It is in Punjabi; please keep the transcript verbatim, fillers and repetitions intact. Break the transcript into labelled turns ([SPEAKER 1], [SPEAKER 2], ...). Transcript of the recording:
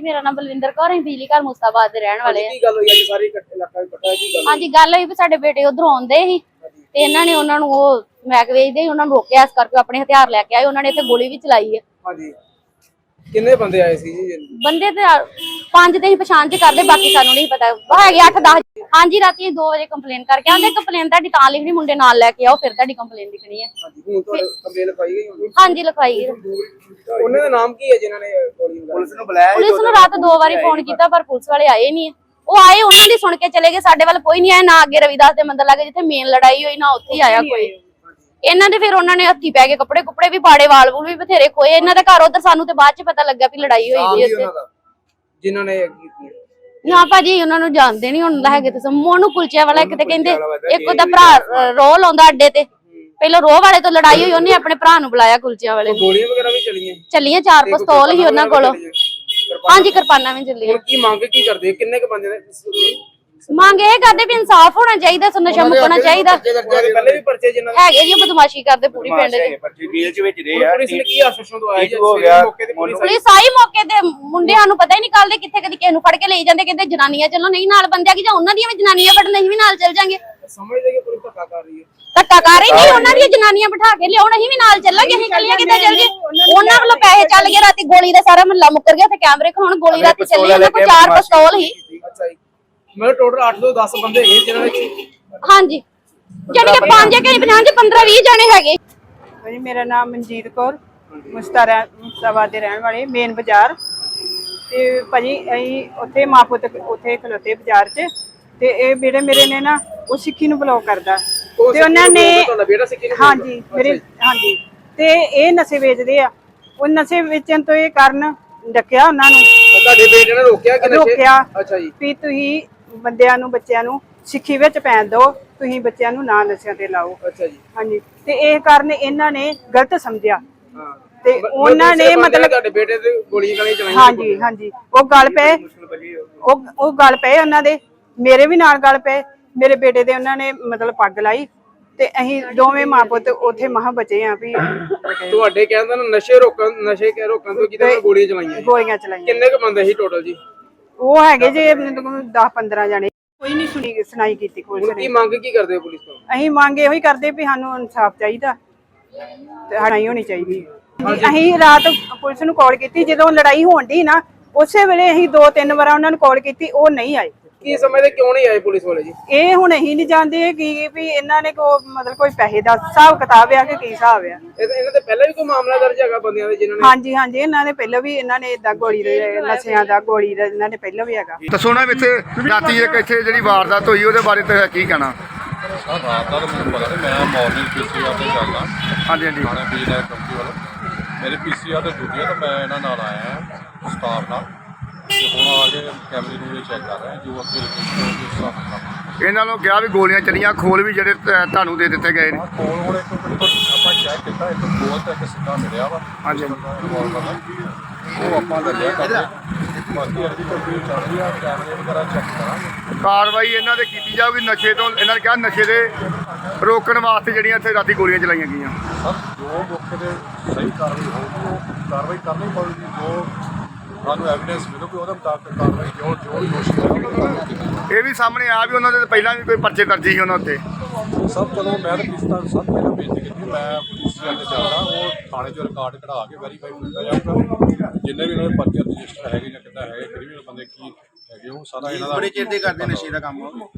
[SPEAKER 1] मेरा नाम बलविंदर कौर है, बिजली घर मुस्ताबाद दे रहन वाले
[SPEAKER 2] की गल होई अज सारी इलाका इकट्ठा की गल?
[SPEAKER 1] हाँ जी, गल होई भी साडे बेटे उधरों आउंदे ही ते इन्हां ने उन्हां नूं ओह मैक वेचदे उन्हां नूं रोकिया, इस करके अपने हथियार लैके आए। उन्हां ने इत्थे गोली भी चलाई है।
[SPEAKER 2] हां जी, किन्ने बंदे आए सी जी?
[SPEAKER 1] बंदे ते पांच ते ही पछाण च करदे, बाकी सानू नहीं पता। है अठ दस। हाँ जी, राती दो बजे कंप्लेन करके आंदे। कंप्लेन तुहाडी तां लिखनी, मुंडे नाल लैके आओ, फिर तुहाडी कंप्लेन लिखनी है।
[SPEAKER 2] हां जी, हुण तुहाडी कंप्लेन लिखाई गई होगी?
[SPEAKER 1] हाँ जी, लिखवाई गई।
[SPEAKER 2] उन्हां दा नाम की है जिन्हां ने गोली मारी? पुलिस नूं बुलाया?
[SPEAKER 1] पुलिस नूं रात दो बारी फोन कीता पर पुलिस वाले आए नहीं। ਉਹ ਆਏ, ਉਹਨਾਂ ਦੀ ਸੁਣ ਕੇ ਚਲੇ ਗਏ, ਸਾਡੇ ਵੱਲ ਕੋਈ ਨਹੀਂ ਆਇਆ। ਨਾ ਅੱਗੇ ਰਵਿਦਾਸ ਦੇ ਮੰਦਰ ਲਾਗੇ ਜਿੱਥੇ ਮੇਨ ਲੜਾਈ ਹੋਈ, ਨਾ ਉੱਥੇ ਆਇਆ ਕੋਈ। ਇਹਨਾਂ ਦੇ ਫਿਰ ਉਹਨਾਂ ਨੇ ਹੱਥੀ ਪੈ ਕੇ ਕੱਪੜੇ ਕੁੱਪੜੇ ਵੀ ਪਾੜੇ, ਵਾਲ ਵੂਲ ਵੀ ਬਥੇਰੇ ਖੋਏ। ਇਹਨਾਂ ਦਾ ਘਰ ਉਧਰ, ਸਾਨੂੰ ਤੇ ਬਾਅਦ ਚ ਪਤਾ ਲੱਗਾ ਵੀ ਲੜਾਈ ਹੋਈ ਸੀ ਉੱਥੇ
[SPEAKER 2] ਜਿਨ੍ਹਾਂ ਨੇ ਕੀਤੀ।
[SPEAKER 1] ਨਾ ਭਾਜੀ ਉਹਨਾਂ ਨੂੰ ਜਾਣਦੇ ਨਹੀਂ ਹੁਣ ਹੈਗੇ ਤੇ ਮੋਨੂ ਕੁਲਚਿਆਂ ਵਾਲਾ ਇੱਕ ਤੇ ਕਹਿੰਦੇ, ਇੱਕ ਉਹਦਾ ਭਰਾ ਰੋਹ ਲਾਉਂਦਾ ਅੱਡੇ ਤੇ। ਪਹਿਲਾਂ ਰੋਹ ਵਾਲੇ ਤੋਂ ਲੜਾਈ ਹੋਈ, ਉਹਨੇ ਆਪਣੇ ਭਰਾ ਨੂੰ ਬੁਲਾਇਆ ਕੁਲਚਿਆਂ ਵਾਲੇ ਨੂੰ।
[SPEAKER 2] ਗੋਲੀਆਂ ਵਗੈਰਾ ਵੀ ਚੱਲੀਆਂ?
[SPEAKER 1] ਚੱਲੀਆਂ, ਚਾਰ ਪਿਸਤੌਲ ਹੀ ਉਹਨਾਂ ਕੋਲ। ਹਾਂਜੀ, ਕਿਰਪਾਨਾਂ ਵੀ ਚੱਲੀਆਂ।
[SPEAKER 2] ਕੀ ਮੰਗ ਕੀ ਕਰਦੇ? ਕਿੰਨੇ ਕ ਬੰਦੇ ਨੇ
[SPEAKER 1] ਮੰਗ ਇਹ ਕਰਦੇ ਵੀ ਇਨਸਾਫ ਹੋਣਾ ਚਾਹੀਦਾ, ਨਸ਼ਾ ਮੁਕਣਾ ਚਾਹੀਦਾ।
[SPEAKER 2] ਪਹਿਲੇ ਵੀ ਪਰਚੇ ਜਿਨ੍ਹਾਂ
[SPEAKER 1] ਹੈਗੇ ਜੀ, ਬਦਮਾਸ਼ੀ ਕਰਦੇ ਪੂਰੀ ਪਿੰਡ ਦੇ।
[SPEAKER 2] ਪੁਲਿਸ ਨੇ ਕੀ ਆਸ਼ਵਾਸਨ ਦਵਾਇਆ ਜੀ?
[SPEAKER 1] ਪੁਲਿਸ ਆਈ ਮੌਕੇ ਤੇ, ਮੁੰਡਿਆਂ ਨੂੰ ਪਤਾ ਹੀ ਨਹੀਂ ਕੱਲਦੇ ਕਿੱਥੇ ਕਦੀ ਕਿਸੇ ਨੂੰ ਫੜ ਕੇ ਲਈ ਜਾਂਦੇ, ਕਹਿੰਦੇ ਜਨਾਨੀਆਂ ਚੱਲੋ, ਨਹੀਂ ਨਾਲ ਬੰਦਿਆਂ ਕੀ ਜਾਂ ਉਹਨਾਂ ਦੀਆਂ ਵੀ ਜਨਾਨੀਆਂ ਫੜਨ, ਅਸੀਂ ਵੀ ਨਾਲ ਚੱਲ ਜਾਾਂਗੇ।
[SPEAKER 2] ਸਮਝਦੇ ਕਿ ਪੁਲਿਸ ਧੱਕਾ ਕਰ ਰਹੀ ਹੈ?
[SPEAKER 1] ਧੱਕਾ ਕਰ ਰਹੀ ਨਹੀਂ, ਉਹਨਾਂ ਦੀਆਂ ਜਨਾਨੀਆਂ ਬਿਠਾ ਕੇ ਲਿਆਉਣ, ਅਸੀਂ ਵੀ ਨਾਲ ਚੱਲਾਂਗੇ। ਅਸੀਂ ਕੱਲੀਆਂ ਕਿੱਦਾਂ ਚੱਲ ਗਏ? ਉਹਨਾਂ ਵੱਲੋਂ ਪੈਸੇ ਚੱਲ ਗਏ, ਰਾਤੀ ਗੋਲੀ ਦਾ ਸਾਰਾ ਮਹੱਲਾ ਮੁੱਕਰ ਗਿਆ। ਤੇ ਕੈਮਰੇ ਖਲਾਉਣ, ਗੋਲੀ ਰਾਤੀ ਚੱਲੀ, ਉਹਨਾਂ ਕੋਲ ਚਾਰ ਪਿਸਤੌਲ ਹੀ।
[SPEAKER 2] ਅੱਛਾ ਜੀ, ਮੈਂ ਟੋਟਲ ਅੱਠ ਤੋਂ ਦਸ ਬੰਦੇ ਹੈਗੇ ਜਿਹਨਾਂ ਨੇ।
[SPEAKER 1] ਹਾਂਜੀ, ਜਾਨੀ ਕਿ ਪੰਜ ਕਿ ਪੰਜਾਹ ਪੰਦਰਾਂ ਵੀਹ ਜਣੇ ਹੈਗੇ।
[SPEAKER 3] ਭਾਜੀ ਮੇਰਾ ਨਾਮ ਮਨਜੀਤ ਕੌਰ, ਮੁਸਤਾਰਾ ਮੁਸਤਾਬਾਦ ਦੇ ਰਹਿਣ ਵਾਲੇ, ਮੇਨ ਬਾਜ਼ਾਰ। ਤੇ ਭਾਜੀ ਅਸੀਂ ਉੱਥੇ ਮਾਂ ਪੁੱਤ ਉੱਥੇ ਖਲੋਤੇ ਬਾਜ਼ਾਰ 'ਚ, ਤੇ ਇਹ ਬੇੜੇ ਮੇਰੇ ਨੇ ਨਾ ਉਹ ਸਿੱਖੀ ਨੂੰ ਬਲੌਕ ਕਰਦਾ ਤੇ ਉਹਨਾਂ ਨੇ। ਹਾਂਜੀ ਮੇਰੇ, ਹਾਂਜੀ, ਤੇ ਇਹ ਨਸ਼ੇ ਵੇਚਦੇ ਆ। ਉਹ ਨਸ਼ੇ ਵੇਚਣ ਤੋਂ ਇਹ ਕਾਰਨ ਡੱਕਿਆ ਉਹਨਾਂ ਨੂੰ।
[SPEAKER 2] ਤੁਹਾਡੇ ਬੇਟੇ ਨੇ ਰੋਕਿਆ ਕਿ ਨਸ਼ੇ?
[SPEAKER 3] ਰੋਕਿਆ।
[SPEAKER 2] ਅੱਛਾ ਜੀ,
[SPEAKER 3] ਵੀ ਤੁਸੀਂ ਬੰਦਿਆਂ ਨੂੰ, ਬੱਚਿਆਂ ਨੂੰ ਸਿੱਖੀ ਵਿੱਚ ਪੈਣ ਦਿਓ, ਤੁਸੀਂ ਬੱਚਿਆਂ ਨੂੰ ਨਾ ਨਸ਼ਿਆਂ ਤੇ ਲਾਓ।
[SPEAKER 2] ਅੱਛਾ ਜੀ, ਹਾਂਜੀ।
[SPEAKER 3] ਤੇ ਇਹ ਕਾਰਨ ਇਹਨਾਂ ਨੇ ਗਲਤ ਸਮਝਿਆ
[SPEAKER 2] ਹਾਂ,
[SPEAKER 3] ਤੇ ਉਹਨਾਂ ਨੇ ਮਤਲਬ
[SPEAKER 2] ਤੁਹਾਡੇ ਬੇਟੇ ਤੇ ਗੋਲੀਆਂ ਗਾਲੀਆਂ ਚਲਾਈਆਂ?
[SPEAKER 3] ਹਾਂਜੀ ਹਾਂਜੀ, ਉਹ ਗੱਲ ਪਏ, ਉਹ ਉਹ ਗੱਲ ਪਏ ਉਹਨਾਂ ਦੇ, ਮੇਰੇ ਵੀ ਨਾਲ ਗੱਲ ਪਏ। ਮੇਰੇ ਬੇਟੇ ਦੇ ਉਹਨਾਂ ਨੇ ਮਤਲਬ ਪੱਗ ਲਾਈ ਤੇ ਅਸੀਂ ਦੋਵੇਂ ਮਾਂ ਪੁੱਤ ਉੱਥੇ ਮਹਾਂ ਬਚੇ ਆ। ਵੀ
[SPEAKER 2] ਤੁਹਾਡੇ ਕਹਿੰਦੇ ਨੇ ਨਸ਼ੇ ਰੋਕਣ, ਨਸ਼ੇ ਕੇ ਰੋਕਣ ਤੋਂ ਕਿਤੇ ਗੋਲੀਆਂ ਚਲਾਈਆਂ?
[SPEAKER 3] ਗੋਲੀਆਂ ਚਲਾਈਆਂ।
[SPEAKER 2] ਕਿੰਨੇ ਕ ਬੰਦੇ ਸੀ ਟੋਟਲ ਜੀ?
[SPEAKER 3] ਉਹ ਹੈਗੇ ਜੇ ਦਸ ਪੰਦਰਾਂ ਜਣੇ। ਕੋਈ ਨਹੀਂ ਸੁਣੀ ਸੁਣਾਈ ਕੀਤੀ ਕੋਈ।
[SPEAKER 2] ਕੀ ਮੰਗ ਕੀ ਕਰਦੇ ਹੋ ਪੁਲਿਸ ਤੋਂ?
[SPEAKER 3] ਅਸੀਂ ਮੰਗ ਇਹੋ ਹੀ ਕਰਦੇ ਵੀ ਸਾਨੂੰ ਇਨਸਾਫ ਚਾਹੀਦਾ ਤੇ ਲੜਾਈ ਹੋਣੀ ਚਾਹੀਦੀ। ਅਸੀਂ ਰਾਤ ਪੁਲਿਸ ਨੂੰ ਕਾਲ ਕੀਤੀ, ਜਦੋਂ ਲੜਾਈ ਹੋਣ ਦੀ ਨਾ ਉਸੇ ਵੇਲੇ ਅਸੀਂ ਦੋ ਤਿੰਨ ਵਾਰ ਉਹਨਾਂ ਨੂੰ ਕਾਲ ਕੀਤੀ, ਉਹ ਨਹੀਂ ਆਏ।
[SPEAKER 2] ਕੀ ਸਮਝਦੇ ਕਿਉਂ ਨਹੀਂ ਆਏ ਪੁਲਿਸ ਵਾਲੇ ਜੀ?
[SPEAKER 3] ਇਹ ਹੁਣ ਅਸੀਂ ਨਹੀਂ ਜਾਣਦੇ ਕਿ ਵੀ ਇਹਨਾਂ ਨੇ ਕੋ ਮਤਲਬ ਕੋਈ ਪੈਸੇ ਦਾ ਹਿਸਾਬ ਕਿਤਾਬ ਆ ਕਿ ਕੀ ਹਿਸਾਬ ਆ।
[SPEAKER 2] ਇਹਨਾਂ ਦੇ ਪਹਿਲਾਂ ਵੀ ਕੋਈ ਮਾਮਲਾ ਦਰਜ ਹੈਗਾ ਬੰਦਿਆਂ ਦੇ ਜਿਨ੍ਹਾਂ ਨੇ?
[SPEAKER 3] ਹਾਂਜੀ ਹਾਂਜੀ, ਇਹਨਾਂ ਨੇ ਪਹਿਲਾਂ ਵੀ, ਇਹਨਾਂ ਨੇ ਏਦਾਂ ਗੋਲੀ ਦੇ ਨਸ਼ਿਆਂ ਦਾ, ਗੋਲੀ ਦਾ ਇਹਨਾਂ ਨੇ ਪਹਿਲਾਂ ਵੀ ਹੈਗਾ।
[SPEAKER 4] ਦੱਸੋ ਨਾ ਇੱਥੇ ਰਾਤੀ ਇੱਕ ਇੱਥੇ ਜਿਹੜੀ ਵਾਰਦਾਤ ਹੋਈ ਉਹਦੇ ਬਾਰੇ ਤੇ ਕੀ ਕਹਿਣਾ?
[SPEAKER 5] ਸਰ ਰਾਤ ਦਾ ਤਾਂ ਮੈਨੂੰ ਪਤਾ ਨਹੀਂ, ਮੈਂ ਮਾਰਨਿੰਗ ਪੀਸੀਆਰ ਤੇ ਚੱਲਦਾ।
[SPEAKER 4] ਹਾਂਜੀ ਹਾਂਜੀ,
[SPEAKER 5] ਥਾਣੇ ਪੀਸੀਆਰ ਕੰਪਨੀ ਵੱਲੋਂ ਮੇਰੇ ਪੀਸੀਆਰ ਤੇ ਡਿਊਟੀ ਆ, ਤਾਂ ਮੈਂ ਇਹਨਾਂ ਨਾਲ ਆਇਆ ਸਟਾਫ ਨਾਲ। ਤੇ ਹੁਣ ਆ ਕੇ ਕੈਮਰੇ ਨੂੰ ਚੈੱਕ ਕਰ ਰਹੇ ਜੋ ਅੱਗੇ ਲੋਕੇਸ਼ਨ।
[SPEAKER 4] ਇਹਨਾਂ ਨੂੰ ਕਿਹਾ ਵੀ ਗੋਲੀਆਂ ਚੱਲੀਆਂ, ਖੋਲ ਵੀ ਜਿਹੜੇ ਤੁਹਾਨੂੰ ਦੇ ਦਿੱਤੇ ਗਏ ਨੇ।
[SPEAKER 5] ਕੋਲ ਹੁਣ ਇੱਕ ਆਪਾਂ ਚੈੱਕ ਕੀਤਾ, ਇੱਕ ਗੋਲ ਤੇ ਇੱਕ ਸਿੱਧਾ ਮਿਲਿਆ ਵਾ।
[SPEAKER 4] ਹਾਂਜੀ,
[SPEAKER 5] ਉਹ ਆਪਾਂ ਲੱਗਿਆ ਕਰਦੇ। ਬਾਕੀ ਅਰਜੀ ਕੰਪਨੀ ਚੱਲ ਰਹੀ ਆ, ਕੈਮਰੇ ਵਗੈਰਾ ਚੈੱਕ ਕਰਾਂਗੇ।
[SPEAKER 4] ਕਾਰਵਾਈ ਇਹਨਾਂ ਦੇ ਕੀਤੀ ਜਾਊਗੀ ਨਸ਼ੇ ਤੋਂ। ਇਹਨਾਂ ਨੇ ਕਿਹਾ ਨਸ਼ੇ ਦੇ ਰੋਕਣ ਵਾਸਤੇ ਜਿਹੜੀਆਂ ਇੱਥੇ ਰਾਤੀ ਗੋਲੀਆਂ ਚਲਾਈਆਂ ਗਈਆਂ।
[SPEAKER 5] ਸਰ ਜੋ ਮੌਕੇ ਤੇ ਸਹੀ ਕਾਰਵਾਈ ਹੋਊਗੀ ਉਹ ਕਾਰਵਾਈ ਕਰਨੀ ਪਊਗੀ। ਜੋ ਸਾਨੂੰ ਐਵੀਡੈਂਸ ਮਿਲੂਗੀ ਉਹਦੇ ਮੁਤਾਬਕ ਕਾਰਵਾਈ ਜੋ ਜੋ ਦੋਸ਼ੀ ਹੋਣਗੇ।
[SPEAKER 4] ਇਹ ਵੀ ਸਾਹਮਣੇ ਆ ਵੀ ਉਹਨਾਂ ਦੇ ਪਹਿਲਾਂ ਵੀ ਕੋਈ ਪਰਚੇ ਦਰਜ ਸੀ ਉਹਨਾਂ ਉੱਤੇ।
[SPEAKER 5] ਸਭ ਚਲੋ ਮੈਂ ਤਾਂ ਕਿਸ ਤਰ੍ਹਾਂ ਸਭ ਪਹਿਲਾਂ ਬੇਨਤੀ ਕੀਤੀ, ਮੈਂ ਪੀਸੀਆਰ ਤੇ ਚੱਲਦਾ, ਉਹ ਥਾਣੇ 'ਚੋਂ ਰਿਕਾਰਡ ਕਢਾ ਕੇ ਵੈਰੀਫਾਈ ਕੀਤਾ ਜਾਊਗਾ। ਜਿੰਨੇ ਵੀ ਇਹਨਾਂ ਦੇ ਪਰਚੇ ਰਜਿਸਟਰ ਹੈਗੇ ਜਾਂ ਕਿੱਦਾਂ ਹੈਗੇ, ਕ੍ਰਿਮੀਨਲ ਬੰਦੇ ਕੀ ਹੈਗੇ, ਉਹ ਸਾਰਾ ਇਹਨਾਂ ਦਾ।
[SPEAKER 6] ਬੜੇ ਚਿਰ ਦੇ ਕਰਦੇ ਨਸ਼ੇ ਦਾ ਕੰਮ।